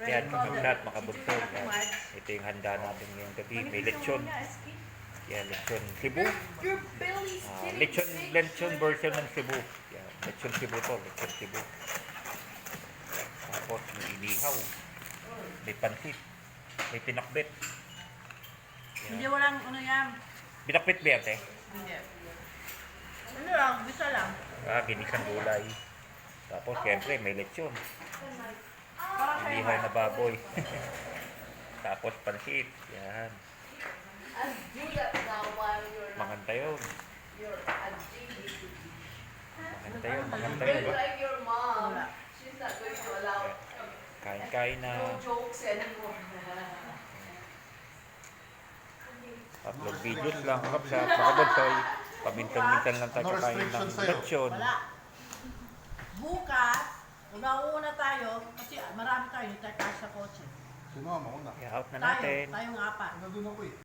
Yan, lahat makabugtong. Yan. Ito yung handa natin ngayong gabi. May lechon. Yan, lechon Cebu. Lechon version ng Cebu. Yan, lechon Cebu to. Lechon Cebu. Tapos may inihaw. May pansit. May pinakbet. Hindi walang ano yan. Pinakbet ba yan, eh? Hindi. Ano lang, bisa lang. Ginisang gulay. Tapos, siyempre, may lechon. Parang kayo Inihaw na baboy. Tapos, pansit. Yan. Maganda yun. Maganda yun. Maganda yun. Like your mom. Wala. She's not going to allow Kain-kain na. no jokes anymore. Upload videos lang. Kapag sa Pakabonsoy, pamintan-mintan lang tayo No kakain ng restrictions sa'yo. lechon. Wala. Bukas, una tayo, kasi marami tayo, hindi tayo kasya sa kotse. Sino ang mauna? I-out na Tayo, natin. tayong apat. Nandun ako eh.